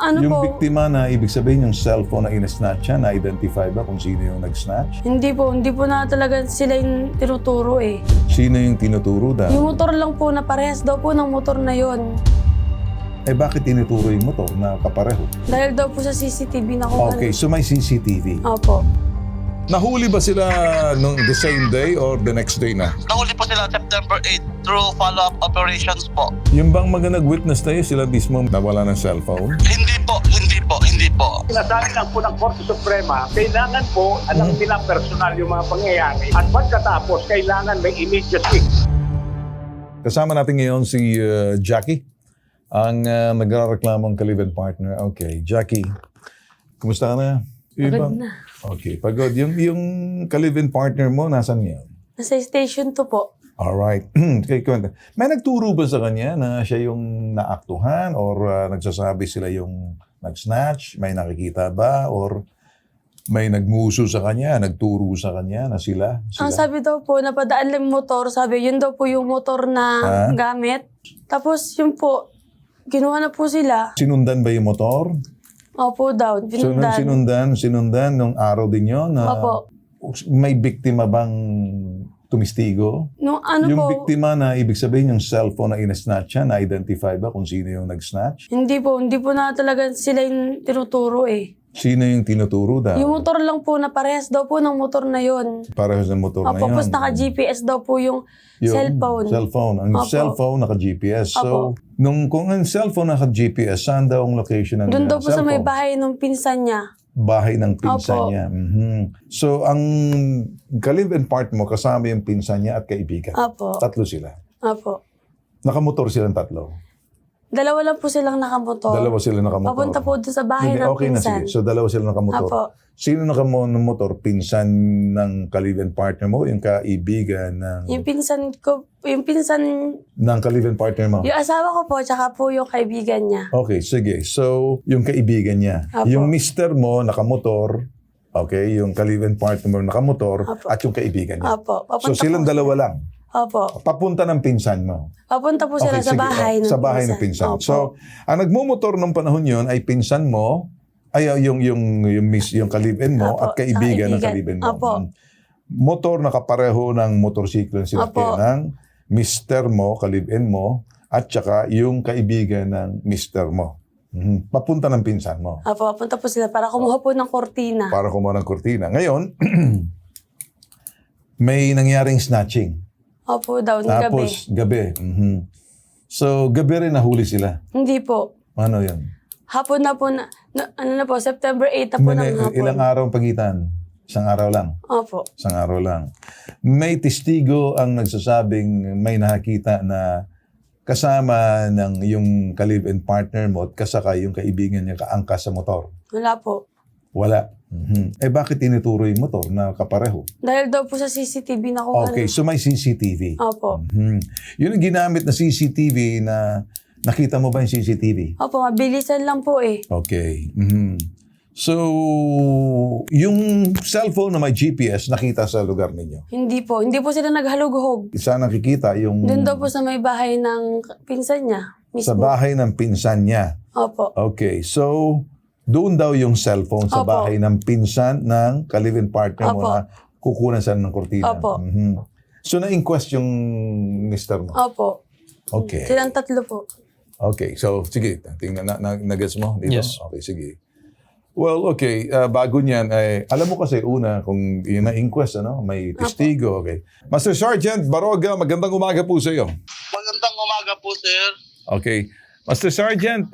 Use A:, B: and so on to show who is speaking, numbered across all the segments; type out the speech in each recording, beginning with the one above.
A: ano
B: Yung
A: po,
B: biktima na ibig sabihin yung cellphone na in-snatch siya, na-identify ba kung sino yung nag-snatch?
A: hindi po na talaga sila yung tinuturo eh.
B: Sino yung tinuturo daw?
A: Yung motor lang po na parehas daw po ng motor na yon.
B: Eh bakit tinuturo yung motor na kapareho?
A: Dahil daw po sa CCTV na kung
B: Okay, so may CCTV.
A: Opo.
B: Nahuli ba sila nung the same day or the next day na?
C: Nahuli po sila September 8 through follow-up operations po.
B: Yung bang mga nag-witness tayo, sila mismo nawala ng cellphone?
C: Hindi po.
D: Sinasabi lang po ng Korte Suprema, kailangan po alam nila personal yung mga pangyayari at pagkatapos kailangan may immediacy.
B: Kasama natin ngayon si Jackie, ang nagrareklamong ka-live-in partner. Okay, Jackie, kumusta ka na?
A: Pagod na.
B: Okay, pagod. Yung ka-live-in partner mo, nasan ngayon?
A: Nasa station 2 po.
B: Alright. Okay, kwenta. May nagturo ba sa kanya na siya yung naaktuhan or nagsasabi sila yung nag-snatch? May nakikita ba? Or may nagmuso sa kanya, nagturo sa kanya na sila?
A: Ang sabi daw po, napadaan lang yung motor. Sabi, yun daw po yung motor na gamit. Tapos yun po, ginawa na po sila.
B: Sinundan ba yung motor?
A: Opo daw,
B: So, nung sinundan nung araw din yun na
A: Opo.
B: may biktima bang tumistigo?
A: Nung ano
B: Yung
A: po,
B: biktima na ibig sabihin yung cellphone na in-snatch siya, na-identify ba kung sino yung nag-snatch?
A: hindi po na talaga sila yung tinuturo eh.
B: Sino yung tinuturo daw?
A: Yung motor lang po na parehas daw po ng motor na yon.
B: Parehas ng motor na
A: Opo,
B: yun.
A: tapos naka-GPS daw po yung cellphone.
B: Cellphone. Ang
A: Opo.
B: cellphone naka-GPS. So,
A: Opo.
B: kung ang cellphone naka-GPS, saan daw ang location ng
A: Doon daw po sa may
B: cellphone?
A: bahay ng pinsan niya.
B: Bahay ng pinsan
A: Opo.
B: niya. Mhm. So, ang ka-live-in part mo, kasama yung pinsan niya at kaibigan.
A: Opo.
B: Tatlo sila.
A: Opo.
B: Nakamotor silang tatlo.
A: Dalawa lang po silang nakamotor.
B: Dalawa sila nakamotor.
A: Papunta po doon sa bahay
B: Hindi,
A: ng
B: okay na
A: pinsan.
B: sige. So, dalawa sila nakamotor.
A: Opo.
B: Sino nakamotor? Pinsan ng ka-live-in partner mo? Yung kaibigan ng
A: Yung pinsan
B: ka-live-in partner mo?
A: yung asawa ko po, tsaka po yung kaibigan niya.
B: Okay, sige. So, yung kaibigan niya.
A: Apo.
B: Yung mister mo, nakamotor. Okay, yung ka-live-in partner mo, nakamotor.
A: Apo.
B: At yung kaibigan niya.
A: Opo.
B: So, silang dalawa lang.
A: Opo.
B: Papunta ng pinsan mo.
A: Papunta po sila sa
B: sige.
A: bahay ng
B: Sa bahay ng pinsan.
A: Opo.
B: So, ang nagmumotor nung panahon yun ay pinsan mo, ay yung ka-live-in mo
A: Opo,
B: at kaibigan ng
A: sa
B: ka-live-in mo.
A: Opo.
B: Motor na kapareho ng motorsiklo sila
A: Opo.
B: ng mister mo, ka-live-in mo, at saka yung kaibigan ng mister mo. Papunta ng pinsan mo
A: Opo, papunta po sila para kumuha po ng kortina.
B: para kumuha ng kurtina. Ngayon, may nangyaring snatching.
A: Opo daw, ng gabi.
B: Tapos, gabi. So, gabi rin nahuli sila.
A: Hindi po.
B: Ano yan?
A: Hapon na po ano na po, September 8 na po ng hapon.
B: Ilang araw ang pagitan? Isang araw lang.
A: Opo.
B: Isang araw lang. May testigo ang nagsasabing may nakakita na kasama ng yung ka-live-in partner mo at kasakay yung kaibigan niya kaangkas sa motor.
A: Wala po.
B: Wala. Eh bakit tinuturo yung motor na kapareho?
A: Dahil daw po sa CCTV na kung
B: Okay, so may CCTV.
A: Opo.
B: Yun ang ginamit na CCTV na nakita mo ba yung CCTV?
A: Opo, mabilisan lang po eh.
B: Okay. So, yung cellphone na may GPS nakita sa lugar ninyo.
A: Hindi po sila naghalughog.
B: Isa nakikita yung
A: Doon daw po sa may bahay ng pinsan niya. Mismo.
B: sa bahay ng pinsan niya.
A: Opo.
B: Okay, so doon daw yung cellphone sa
A: Opo.
B: bahay ng pinsan ng ka-live-in partner mo
A: Opo.
B: na kukunan sa ng kurtina.
A: Opo.
B: So na-inquest yung mister mo?
A: Opo.
B: Okay.
A: Silang tatlo po.
B: Okay, so sige, tingnan na-gets mo dito?
E: Yes.
B: Okay, sige. Well, okay, bago niyan, alam mo kasi una, kung yun na-inquest, may testigo, okay. Master Sergeant Baroga, magandang umaga po sa iyo.
C: Magandang umaga po, sir.
B: Okay. Master Sergeant,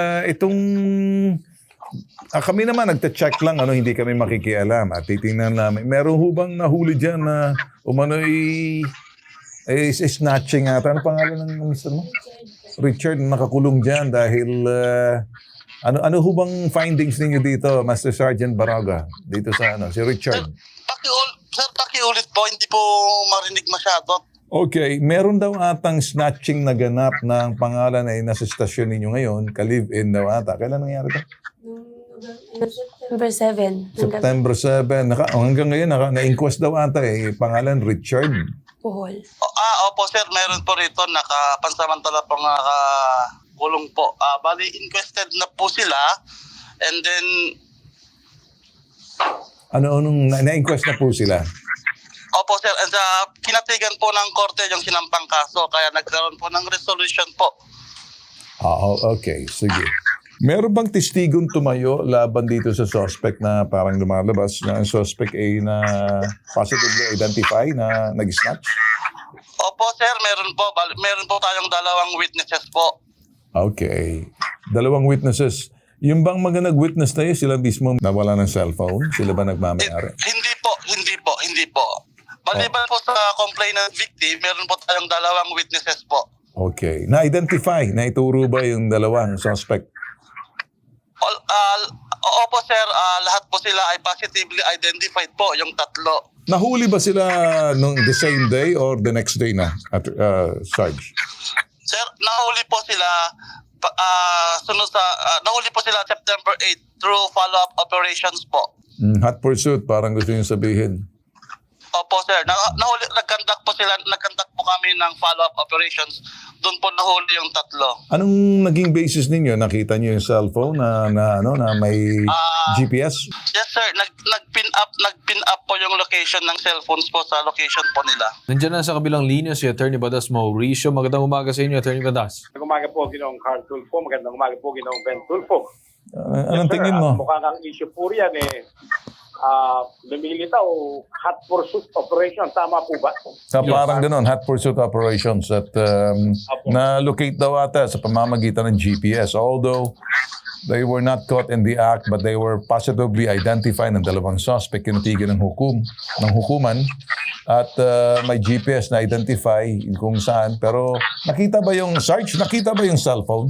B: kami naman nagta-check lang, hindi kami makikialam at titingnan namin. Meron hubang nahuli dyan na umano'y snatching ata. Ano pangalan ng mister mo? Richard, nakakulong dyan dahil ano hubang findings ninyo dito, Master Sergeant Baroga? Dito sa si Richard.
C: Pakiulit po, hindi po marinig masyado.
B: Okay, meron daw atang snatching na ganap ng pangalan ay nasa stasyon ninyo ngayon, ka-live-in daw ata. Kailan nangyari ito?
A: September 7.
B: September 7. Hanggang ngayon, na-inquest daw ata pangalan Richard.
A: Puhol.
C: Opo, sir, meron po rito, nakapansamantala pong kulong po. Bali, inquested na po sila. And then,
B: Anong na-inquest na po sila?
C: opo sir, and kinatigan po ng korte yung sinampang kaso. Kaya nagkaroon po ng resolution po.
B: Okay. Sige. Meron bang testigong tumayo laban dito sa suspect na parang lumalabas na ang suspect ay na positively identify na nag-snatch?
C: Opo sir, meron po. Meron po tayong 2 witnesses po.
B: Okay. 2 witnesses. Yung bang mga nag-witness na yun, sila mismo nawala ng cellphone? Sila ba nagmamayari?
C: Hindi po. Maliban po sa complainant victim, meron po tayong 2 witnesses po.
B: Okay. Na-identify, naituro ba yung 2 suspect?
C: Opo sir, lahat po sila ay positively identified po, yung 3.
B: Nahuli ba sila nung the same day or the next day na, Sarge?
C: Sir, nahuli po sila nahuli po sila September 8 through follow-up operations po.
B: Hot pursuit, parang gusto nyo sabihin.
C: Opo sir, nag-conduct po kami ng follow-up operations. Doon po nahuli yung 3.
B: Anong naging basis ninyo? Nakita nyo yung cellphone na may GPS?
C: Yes sir, nag-pin up po yung location ng cellphones po sa location po nila.
E: Nandiyan na sa kabilang linya si Attorney Badas Mauricio. Magandang umaga sa inyo, Attorney Badas.
D: Magandang umaga po, Ginoong Carl Tulfo. Magandang umaga po, Ginoong Ben Tulfo.
B: Anong tingin mo?
D: Mukha kang issue po yan lumilitaw hot pursuit operation. Tama po ba?
B: Parang ganun, hot pursuit operations at na-locate daw ata sa pamamagitan ng GPS. Although they were not caught in the act but they were positively identified ng 2 suspect kinatigan ng hukuman at may GPS na identify kung saan. Pero nakita ba yung Sarge? Nakita ba yung cellphone?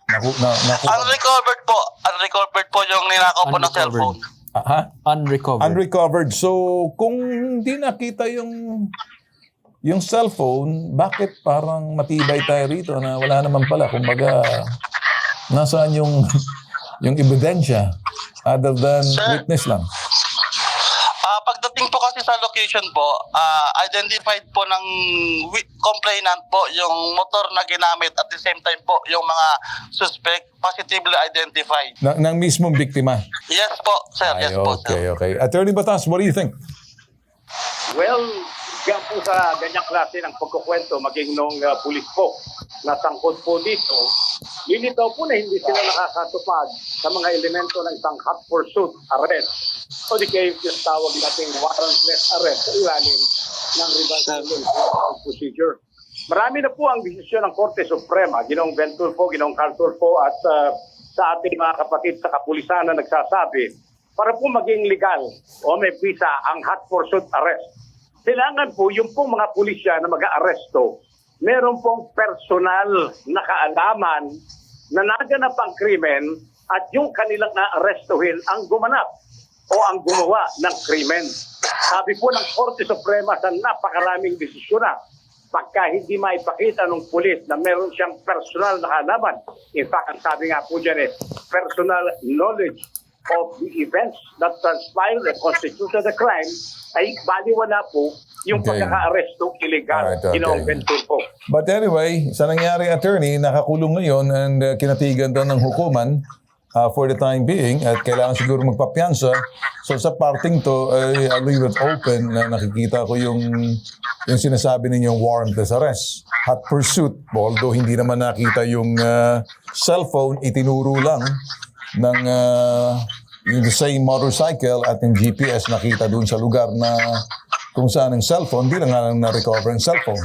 C: Unrecovered po yung ninakaw po ng cellphone.
B: Unrecovered. So, kung hindi nakita yung cellphone, bakit parang matibay tayo rito na wala naman pala? Kumbaga, nasaan yung ebidensya other than witness lang?
C: Pagdating po kasi sa location po, identified po ng complainant po yung motor na ginamit at the same time po yung mga suspect positively identified.
B: Ng mismong biktima?
C: Yes po, sir. Yes po, sir.
B: Okay. Attorney Batas, what do you think?
D: Well, yan po sa ganyang klase ng pagkukwento, maging nung pulis po na sangkot po dito, lilitaw po na hindi sila nakakatupad sa mga elemento ng isang hot pursuit arrest o di kayo yung tawag nating warrantless arrest sa ilalim ng revised procedure. Marami na po ang desisyon ng Korte Suprema, Ginoong Ben Tulfo, Ginoong Carl Tulfo at sa ating mga kapatid sa kapulisan na nagsasabi para po maging legal o may visa ang hot pursuit arrest. Kailangan po yung pong mga pulisya na mag-aaresto, meron pong personal na kaalaman na naganap ang krimen at yung kanilang na-arestuhin ang gumanap o ang gumawa ng krimen. Sabi po ng Korte Suprema sa napakaraming desisyon na pagka hindi maipakita ng pulis na meron siyang personal na kaalaman. In fact, ang sabi nga po dyan personal knowledge of the events that transpired and constituted the crime, ay baliwala po yung pagkaka-aresto illegal. Ginoong Ben Tulfo.
B: But anyway, sa nangyari, attorney, nakakulong ngayon and kinatigan daw ng hukuman for the time being at kailangan siguro magpapiyansa. So sa parting to, I'll leave it open na nakikita ko yung sinasabi ninyong warrantless arrest. Hot pursuit, although hindi naman nakita yung cellphone, itinuro lang ng yung the same motorcycle at yung GPS nakita dun sa lugar na kung saan ang cellphone, di lang nga na-recover ang cellphone.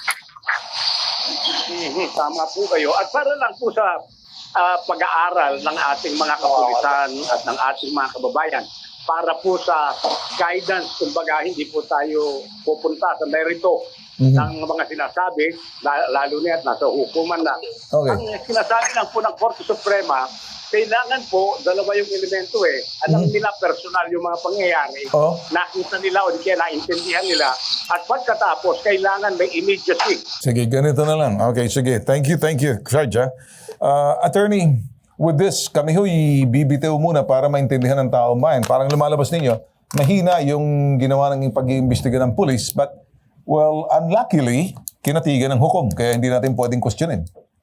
D: Tama po kayo. At para lang po sa pag-aaral ng ating mga kapulisan at ng ating mga kababayan, para po sa guidance, kumbaga hindi po tayo pupunta sa merito ng mga sinasabi, lalo na at nasa hukuman na.
B: Okay.
D: Ang sinasabi lang po ng Korte Suprema, kailangan po, 2 yung elemento alam nila personal yung mga pangyayari, nakita nila o di kaya naintindihan nila, at pagkatapos, kailangan may immediacy.
B: Sige, ganito na lang. Okay, sige. Thank you, Sarge. Attorney, with this, kami ibibitaw muna para maintindihan ng taong bayan. Parang lumalabas ninyo, mahina yung ginawa ng pag-iimbestiga ng police, but, well, unluckily, kinatigan ng hukom, kaya hindi natin pwedeng questionin.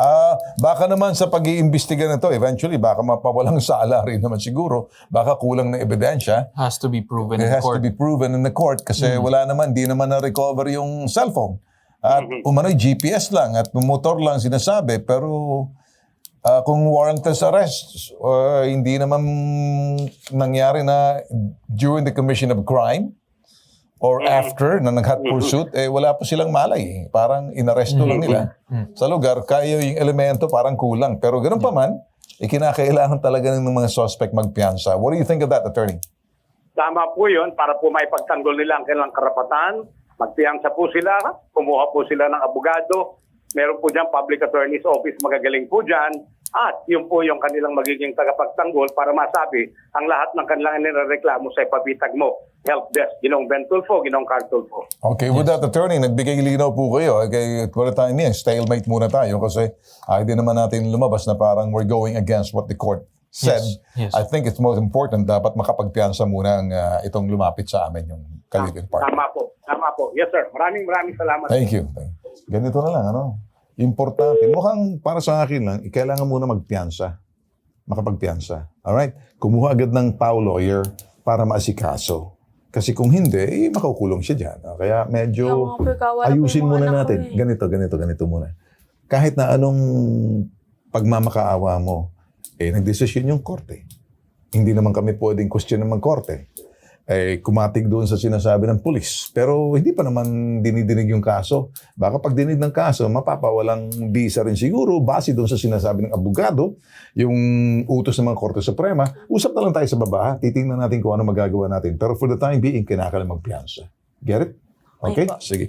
B: Baka naman sa pag-iimbestiga na to, eventually, baka mapawalang sala rin naman siguro. Baka kulang na ebidensya.
E: Has to be proven
B: It
E: in
B: has to
E: court.
B: be proven in the court kasi wala naman, di naman na-recover yung cellphone. At umano'y GPS lang at motor lang sinasabi. Pero kung warrantless arrest, hindi naman nangyari na during the commission of crime or after na nag-hot pursuit, wala po silang malay. Parang inaresto lang nila sa lugar. Kaya yung elemento parang kulang. Pero ganun pa man, kinakailangan talaga ng mga suspect magpiyansa. What do you think of that, attorney?
D: Tama po yun para po may pagtanggol nila ang kanilang karapatan. Magpiyansa po sila, kumuha po sila ng abogado. Meron po dyan public attorney's office, magagaling po dyan. At yun po yung kanilang magiging tagapagtanggol para masabi ang lahat ng kanilang nirereklamo sa ipabitag mo. Help desk, Ginong Ben Tulfo, Ginong Carl Tulfo.
B: Okay, with that, attorney, nagbigay linaw po kayo. Okay, for the time being, stalemate muna tayo kasi hindi naman natin lumabas na parang we're going against what the court said.
E: Yes.
B: I think it's most important, dapat makapagpiyansa muna ang itong lumapit sa amin, yung Caloocan Park.
D: Tama po. Tama po. Yes, sir. Maraming salamat.
B: Thank you. Ganito na lang, ano? Importante. Mukhang para sa akin lang, kailangan muna magpiyansa. Makapagpiyansa. Alright? Kumuha agad ng PAW lawyer para maasikaso. Kasi kung hindi, makukulong siya dyan. Kaya medyo ayusin muna natin. Ganito muna. Kahit na anong pagmamakaawa mo, nagdesisyon yung korte. Hindi naman kami pwedeng question ng korte. Kumatig doon sa sinasabi ng pulis. Pero hindi pa naman dinidinig yung kaso. Baka pag dinig ng kaso, mapapawalang bisa rin siguro base doon sa sinasabi ng abogado, yung utos ng mga Korte Suprema. Usap na lang tayo sa baba. Titingnan natin kung ano magagawa natin. Pero for the time being, kinakailangan magpiyansa. Get it? Okay? Sige.